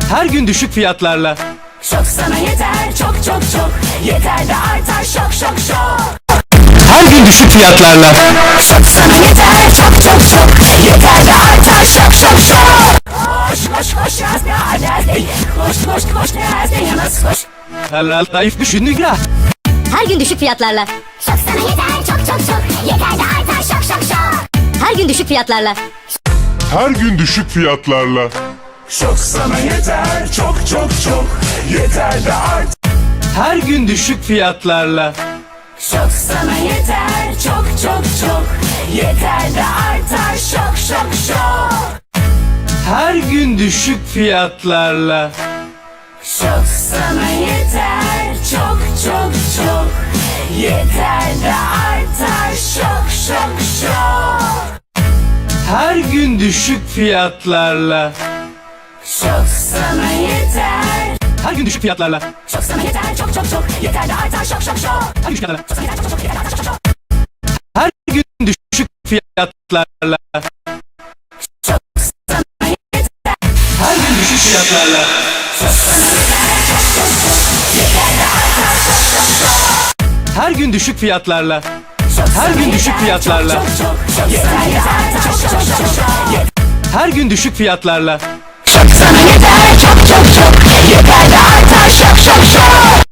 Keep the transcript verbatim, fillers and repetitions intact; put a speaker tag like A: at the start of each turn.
A: Her gün düşük fiyatlarla.
B: Şok sana yeter çok çok çok. Yeter de artar şok şok şok.
A: Her gün düşük fiyatlarla.
B: Şok sana yeter çok çok çok. Yeter de artar şok şok şok. Koş koş koş yaz ne adresi. Koş koş koş ne adresi yalnız koş.
A: Helal zayıf düşündük ya.
C: Her gün düşük fiyatlarla.
B: Şok sana yeter çok çok çok. Yeter de artar şok şok şok.
C: Her gün düşük fiyatlarla.
D: Her gün düşük fiyatlarla.
E: Şok sana yeter çok çok çok. Yeter de art.
A: Her gün düşük fiyatlarla.
B: Şok sana yeter çok çok çok. Yeter de artar şok şok şok.
A: Her gün düşük fiyatlarla.
B: Şok sana yeter çok çok çok. Yeter de artar şok şok şok.
A: Her gün düşük fiyatlarla.
B: Şok sana yeter.
A: Her gün düşük fiyatlarla.
B: Şok sana yeter çok çok çok. Yeter de artar şok şok şok.
A: Her gün düşük fiyatlarla.
B: Şok sana yeter çok çok çok. Yeter de artar şok şok şok.
A: Her gün düşük fiyatlarla.
B: Şok sana yeter.
A: Her gün düşük fiyatlarla.
B: Şok sana yeter çok çok çok. Yeter de artar şok şok şok.
A: Her gün düşük fiyatlarla.
B: Şok
A: Her
B: sana
A: gün düşük
B: yeter
A: fiyatlarla.
B: çok çok çok. Yeter de artar şok şok şok.
A: Her gün düşük fiyatlarla.
B: Şok sana yeter çok çok çok. Yeter de artar şok şok şok.